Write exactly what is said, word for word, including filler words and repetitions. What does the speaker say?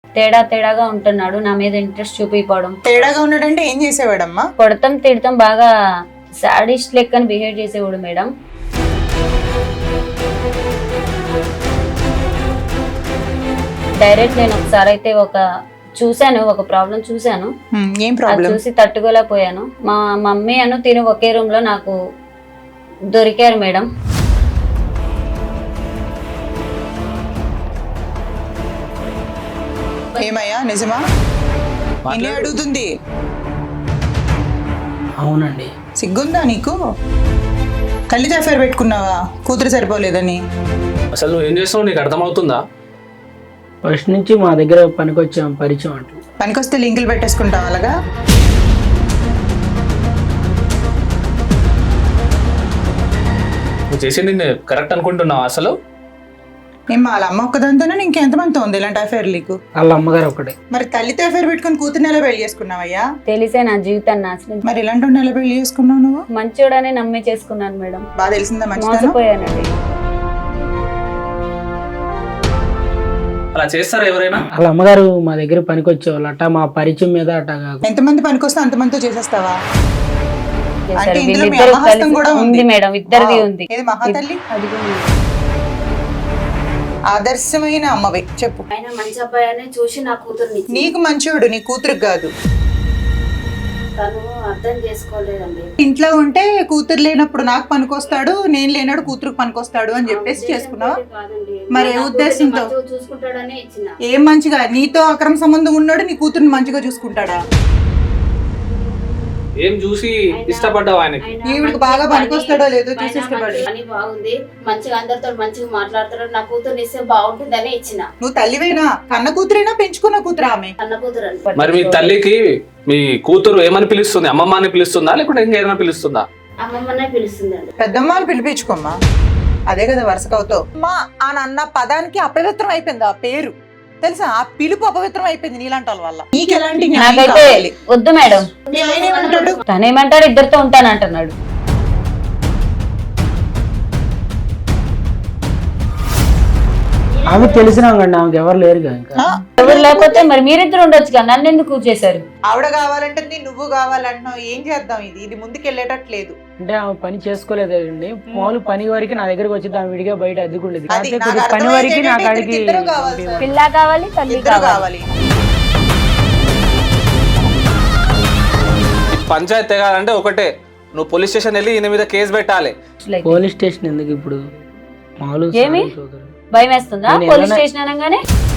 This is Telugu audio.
తేడా తేడాగా ఉంటున్నాడు, నా మీద ఇంట్రెస్ట్ చూపిపోవడం. తేడాగా ఉన్నాడంటే ఏం చేసేవాడమ్మా? కొడతాం తిడతాం, బాగా సాడిస్ట్ లెక్కని బిహేవ్ చేసేవాడు మేడం. డైరెక్ట్ నేను ఒకసారి అయితే ఒక చూశాను, ఒక ప్రాబ్లం చూశాను. ఏం అది ప్రాబ్లం? చూసి తట్టుకోలేకపోయాను. మా మమ్మీ అను తిని ఒకే రూమ్ లో నాకు దొరికారు మేడం. ఏమయ్యా నిజమా? నిన్నే అడుగుతుంది. అవునండి. సిగ్గుందా నీకు? తల్లితో అఫైర్ పెట్టుకున్నావా కూతురు సరిపోలేదని? అసలు నువ్వు ఏం చేస్తున్నావు నీకు అర్థమవుతుందా? ఫస్ట్ నుంచి మా దగ్గర పనికొచ్చాం, పరిచయం అంటూ. పనికొస్తే లింకులు పెట్టేసుకుంటావు అలాగా? నువ్వు చేసింది నేను కరెక్ట్ అనుకుంటున్నావు అసలు? నేను వాళ్ళ అమ్మ ఒక్కదాంతోనే ఇంకెంతమంది ఉంది ఇలాంటి అఫైర్ నీకు? వాళ్ళ అమ్మగారు ఒకటే. మరి తల్లితో అఫైర్ పెట్టుకుని కూతుర్ని ఎలా పెళ్లి చేసుకున్నావయ్యా? తెలిసే నా జీవితాన్ని నాశనం. మరి ఇలాంటి వాడిని ఎలా పెళ్లి చేసుకున్నావు నువ్వు? మంచోడనే నమ్మి చేసుకున్నాను మేడం. బాగా తెలిసిందా మంచిదనం? మోసపోయానండి. అలా చేస్తారా ఎవరైనా? వాళ్ళ అమ్మగారు మా దగ్గర పనికొచ్చేవాళ్ళు అట్ట, మా పరిచయం మీద అట్ట కాదు. ఎంతమంది పనికొస్తే అంతమందితో చేసేస్తావా? చేశారు. అంటే ఇందులో మీ వీళ్ళిద్దరూ అమ్మహస్తం కలిసి- కూడా ఉంది ఉంది మేడం, ఇద్దరిది వావ్. ఉంది. ఏది మహాతల్లి? అది కూడా ఉంది. ఆదర్శమైన అమ్మవే. చెప్పు. ఆయన మంచి అబ్బాయి చూసి నా కూతుర్ని ఇచ్చి- నీకు మంచోడు, నీ కూతురికి కాదు. తను అర్థం చేసుకోలేదండి. ఇంట్లో ఉంటే కూతురు లేనప్పుడు నాకు పనికొస్తాడు, నేను లేనాడు కూతురుకు పనికొస్తాడు అని చెప్పేసి చేసుకున్నావా? మరి ఏ ఉద్దేశంతో? చూసుకుంటాడని ఇచ్చిన. ఏం మంచిగా నీతో అక్రమ సంబంధం ఉన్నాడు, నీ కూతురుని మంచిగా చూసుకుంటాడా? ఏం చూసి ఇష్టపడ్డావు ఆయనకి? ఈవిడికి బాగా పనికొస్తాడో లేదో చూసి ఇష్టపడి. పని బాగుంది, మంచిగా అందరితో మంచిగా మాట్లాడతాడు, నా కూతురు ఇస్తే బాగుంటుందని ఇచ్చిన. నువ్వు తల్లివేనా? కన్న కూతురేనా పెంచుకున్న కూతురా ఆమె? అన్న కూతురు అని. మరి మీ తల్లికి మీ కూతురు ఏమని పిలుస్తుంది? అమ్మమ్మ అని పిలుస్తుందా లేకుంటే ఇంకేమైనా పిలుస్తుందా? అమ్మమ్మనే పిలుస్తుందండి. పెద్దమ్మ అని పిలిపించుకోమ్మా, అదే కదా వరుసకవుతావు. అమ్మా అని అన్న పదానికి అపవిత్రం అయిపోయింది ఆ పేరు, తెలుసా? ఆ పిలుపు అపవిత్రం అయిపోయింది నీలాంటి వాళ్ళ వల్ల. నీకు ఎలాంటి న్యాయం నాకైతే కావాలి? వద్దు మేడం. మీ ఆయన ఏమంటాడు? తనేమంటాడు, ఇద్దరితో ఉంటానంటున్నాడు. ఆమె తెలిసినా కండి, ఆమెకు ఎవరు లేరు ఇంకా. ఆ, ఎవరు లేకపోతే మరి మీరిద్దరు ఉండొచ్చు కదా, నన్ను ఎందుకు చేశారు? ఆవిడ కావాలంటే నువ్వు కావాలంటున్నావు. ఏం చేద్దాం? ఇది ఇది ముందుకెళ్ళేటట్లేదు. అంటే ఆమె పని చేసుకోలేదండి. మామూలు పని వరకు నా దగ్గరకు వచ్చి ఆమె విడిగా బయట అద్దుకుండేది. అది కాకపోతే నాకు కొద్దిగా పని అర్థమైంది వరకు నా ఏంటంటే కాడికి ఇద్దరికి ఇద్దరు కావాలి సార్. పిల్ల కావాలి, తల్లి ఇద్దరు కావాలి. కావాలి. పంచాయతీ తెగాలంటే ఒకటే, నువ్వు పోలీస్ స్టేషన్ వెళ్ళి ఈయన మీద కేసు పెట్టాలి. పోలీస్ స్టేషన్ ఎందుకు ఇప్పుడు? మామూలు ఏమి? సోదరు. భయం వేస్తుందా నేను పోలీస్ ఏమన్నా- స్టేషన్ అనగానే?